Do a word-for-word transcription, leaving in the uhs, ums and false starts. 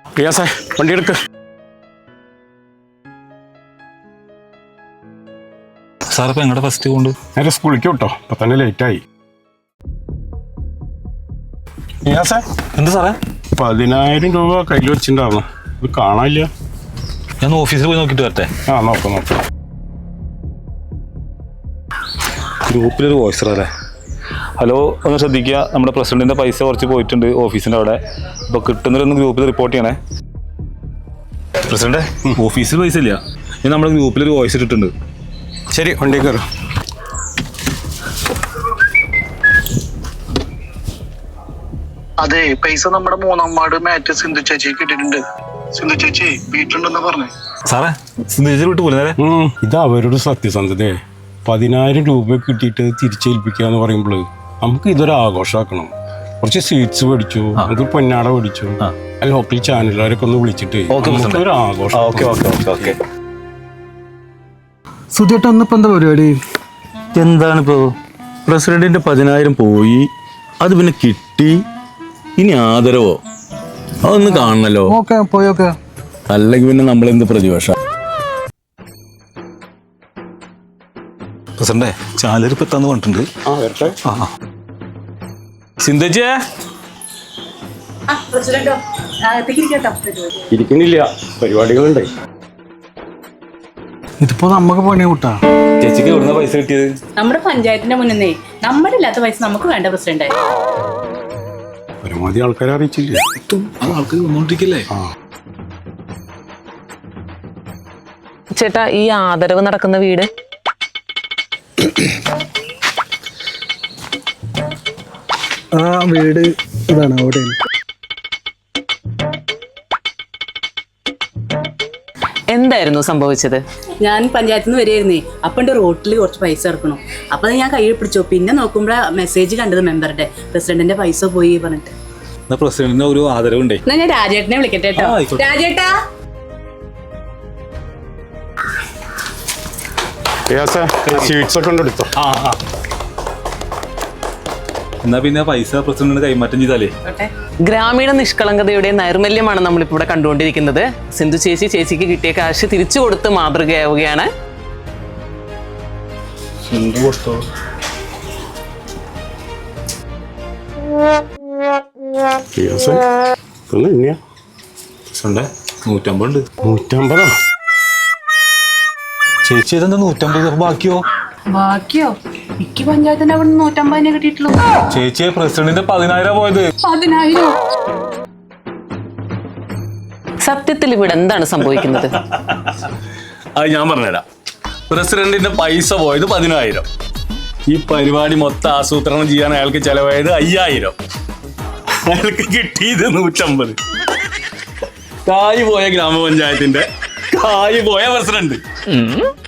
റിയാസേ വണ്ടി എടുക്ക്. സാർ ഇപ്പൊ എങ്ങടെ ഫസ്റ്റ് കൊണ്ട് നേരെ സ്കൂളിലേക്ക് വിട്ടോ, ഇപ്പൊ തന്നെ ലേറ്റായി. റിയാസേ എന്താ സാറേ? പതിനായിരം രൂപ കയ്യിൽ വെച്ചിട്ടുണ്ടായിരുന്നു, ഇത് കാണാനില്ല. ഞാൻ ഓഫീസിൽ പോയി നോക്കിട്ട് വരട്ടെ. ആ നോക്കാം നോക്കാം. ഗ്രൂപ്പിലൊരു വോയിസർ അല്ലേ? ഹലോ, ഒന്ന് ശ്രദ്ധിക്കുക, നമ്മുടെ പ്രസിഡന്റിന്റെ പൈസ കുറച്ച് പോയിട്ടുണ്ട് ഓഫീസിന്റെ അവിടെ. അപ്പൊ കിട്ടുന്നവരൊന്ന് ഗ്രൂപ്പിൽ റിപ്പോർട്ട് ചെയ്യണേ. പ്രസിഡന്റ്, ഓഫീസിൽ പൈസ ഇല്ല, ഞാൻ നമ്മുടെ ഗ്രൂപ്പിലൊരു വോയിസ് ഇട്ടിട്ടുണ്ട്. ശരി, വണ്ടി കയറും. അതെ, പൈസ നമ്മുടെ മൂന്നാം വാർഡ് മാറ്റ് സിന്ധു ചേച്ചി കിട്ടിയിട്ടുണ്ട്. സിന്ധു ചേച്ചി വീട്ടിലുണ്ടെന്ന് പറഞ്ഞേ. സാറേ, സിന്ധു ചേച്ചി വിട്ടു പോലെ. ഇത് അവരുടെ സത്യസന്ധതയെ. പതിനായിരം രൂപ കിട്ടിയിട്ട് തിരിച്ചേൽപ്പിക്കുക എന്ന് പറയുമ്പോൾ നമുക്ക് ഇതൊരു ആഘോഷമാക്കണം. കുറച്ച് സ്വീറ്റ്സ് മേടിച്ചു, നമുക്ക് പൊന്നാട മേടിച്ചു, ലോക്കൽ ചാനലുകാരൊക്കെ ഒന്ന് വിളിച്ചിട്ട് ഒരു ആഘോഷം. സുധിയേട്ട ഒന്നിപ്പോ എന്താ പരിപാടി? എന്താണിപ്പോ പ്രസിഡന്റിന്റെ പതിനായിരം പോയി, അത് പിന്നെ കിട്ടി, ഇനി ആദരവോ? അതൊന്ന് കാണണല്ലോ. ഓക്കെ പോയോക്കെ. അല്ലെങ്കിൽ പിന്നെ നമ്മളെന്ത് പ്രതിപക്ഷ? പ്രസിഡന്റെ ചാനൽ ഇപ്പൊ എത്താന്ന് പറഞ്ഞിട്ടുണ്ട്. സിന്ധുജേ ഇരിക്കുന്നില്ല, പരിപാടികളുണ്ട്. ഇതിപ്പോ നമുക്ക് പണി കൂട്ടാ. ചേച്ചിക്ക് എവിടുന്ന പൈസ കിട്ടിയത്? നമ്മുടെ പഞ്ചായത്തിന്റെ മുന്നേ നമ്മുടെ ഇല്ലാത്ത പൈസ നമുക്ക് വേണ്ട പ്രസിഡന്റ്. പരമാവധി ആൾക്കാരെ അറിയിച്ചില്ലേ? ആൾക്കാർ വന്നോണ്ടിരിക്കല്ലേ? ചേട്ടാ, ഈ ആദരവ് നടക്കുന്ന വീട് ആ വീട് ഇതാണ് അവിടെ. എന്തായിരുന്നു സംഭവിച്ചത്? ഞാൻ പഞ്ചായത്തിൽ നിന്ന് വരികയായിരുന്നേ, അപ്പണ്ട് റോട്ടിൽ കുറച്ച് പൈസ ഇറക്കണം. അപ്പൊ അത് ഞാൻ കയ്യിൽ പിടിച്ചു. പിന്നെ നോക്കുമ്പോഴാ മെസ്സേജ് കണ്ടത് മെമ്പറുടെ, പ്രസിഡന്റിന്റെ പൈസ പോയി പറഞ്ഞിട്ട്. പ്രസിഡന്റിന് ഒരു ആദരവുണ്ടേ. എന്നാ ഞാൻ രാജേട്ടനെ വിളിക്കട്ടെ കേട്ടോ. രാജേട്ടാ, സ്വീറ്റ്സ് ഒക്കെ എടുത്തോ. എന്നാ പിന്നെ പൈസ പ്രസിഡന്റിന് കൈമാറ്റം ചെയ്താലേ. ഗ്രാമീണ നിഷ്കളങ്കതയുടെ നൈർമല്യമാണ് നമ്മളിപ്പോൾ ഇവിടെ കണ്ടുകൊണ്ടിരിക്കുന്നത്. സിന്ധു ചേച്ചി ചേച്ചിക്ക് കിട്ടിയ കാശ് തിരിച്ചു കൊടുത്ത് മാതൃകയാവുകയാണ്. നൂറ്റമ്പത് ഉണ്ട്. നൂറ്റമ്പതോ? ചേച്ചി ഇതെന്താ നൂറ്റമ്പത് ബാക്കിയോ? ബാക്കിയോ? എനിക്ക് പഞ്ചായത്തിന്റെ അവിടെ നിന്ന് നൂറ്റമ്പതിനെ കിട്ടിയിട്ടുള്ളൂ. ചേച്ചിയെ പ്രസിഡന്റിന്റെ പതിനായിരം പോയത്. പതിനായിരം? സത്യത്തിൽ ഇവിടെ എന്താണ് സംഭവിക്കുന്നത്? അത് ഞാൻ പറഞ്ഞുതരാം. പ്രസിഡന്റിന്റെ പൈസ പോയത് പതിനായിരം, ഈ പരിപാടി മൊത്തം ആസൂത്രണം ചെയ്യാൻ അയാൾക്ക് ചെലവായത് അയ്യായിരം, അയാൾക്ക് കിട്ടിയത് നൂറ്റമ്പത്. കായ് പോയ ഗ്രാമപഞ്ചായത്തിന്റെ, കായ് പോയ പ്രസിഡന്റ്.